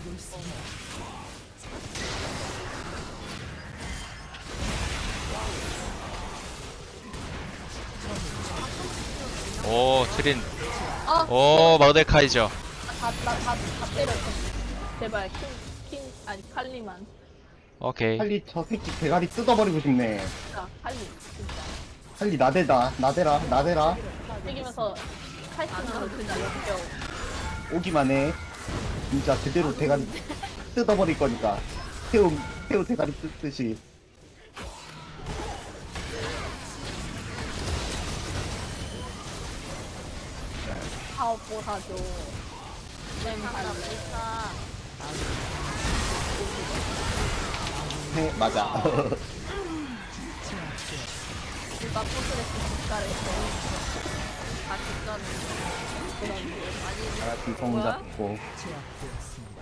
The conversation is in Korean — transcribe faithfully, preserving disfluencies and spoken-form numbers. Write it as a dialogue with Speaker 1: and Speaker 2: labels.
Speaker 1: 오 트린.
Speaker 2: 아,
Speaker 1: 오 머데카이저.
Speaker 2: 다나다다 때렸어. 제발 킹, 킹 아니 칼리만.
Speaker 1: 오케이.
Speaker 3: 할리 저 새끼 대가리 뜯어버리고 싶네.
Speaker 2: 진짜 칼리 진짜.
Speaker 3: 할리 나대다 나대라 나대라
Speaker 2: 튀기면서 칼치면서 진짜 역겨워.
Speaker 3: 오기만 해. 진짜 제대로 대가리 뜯어버릴 거니까. 새우 새우 대가리 뜯듯이.
Speaker 2: 사업보 사줘. 램팔.
Speaker 3: 해 맞아.
Speaker 2: 누가 포트레스 국가를 했어. 다 국가는 그런 게
Speaker 3: 알았지 성 잡고.
Speaker 4: 제압되었습니다.